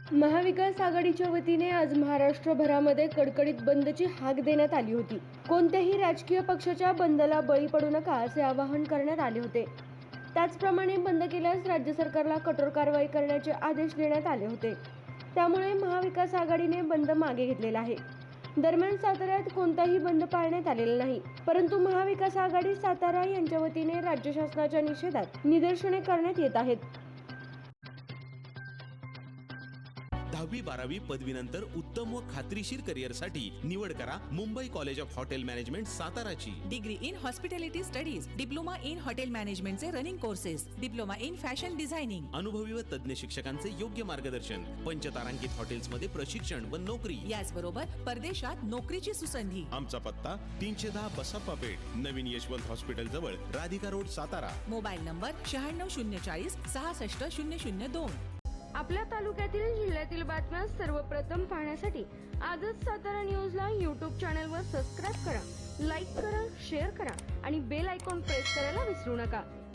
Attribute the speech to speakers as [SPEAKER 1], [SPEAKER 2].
[SPEAKER 1] महाविकास आघाडीच्या वतीने आज महाराष्ट्रभरामध्ये कडकडीत बंदची हाक देण्यात आली होती। कोणत्याही राजकीय पक्षाच्या बंदला बळी पडू नका असे आवाहन करण्यात आले होते। त्याचप्रमाणे बंद केल्यास राज्य सरकारला कठोर कारवाई करण्याचे आदेश देण्यात आले होते। त्यामुळे महाविकास आघाडीने बंद मागे घेतलेला आहे। दरम्यान साताऱ्यात कोणताही बंद पाळण्यात आलेला नाही, परंतु महाविकास आघाडी सातारा यांच्या वतीने राज्य शासनाच्या निषेधात निदर्शने करण्यात येत आहेत।
[SPEAKER 2] 10वी 12वी पदवीनंतर उत्तम व खात्रीशीर करिअरसाठी निवड करा Mumbai college of hotel management साताराची।
[SPEAKER 3] Degree in hospitality studies, diploma in hotel मॅनेजमेंटचे running courses, diploma in fashion designing,
[SPEAKER 2] अनुभवी व तज्ञ शिक्षकांचे योग्य मार्गदर्शन, पंचतारांकित हॉटेल्समध्ये प्रशिक्षण व नोकरी,
[SPEAKER 3] याचबरोबर परदेशात नोकरीची सुसंधी।
[SPEAKER 2] आमचा पत्ता 310 बसप्पा पेठ, नवीन यशवंत हॉस्पिटल जवळ, Radhika road, Satara.
[SPEAKER 3] Mobile number 96 040 66 002।
[SPEAKER 1] आपल्या तालुक्यातील जिल्ह्यातील बातम्या सर्वप्रथम पाहण्यासाठी आजच सातारा न्यूजला YouTube चॅनलवर सबस्क्राईब करा, लाईक करा, शेअर करा आणि बेल आयकॉन प्रेस करायला विसरू नका।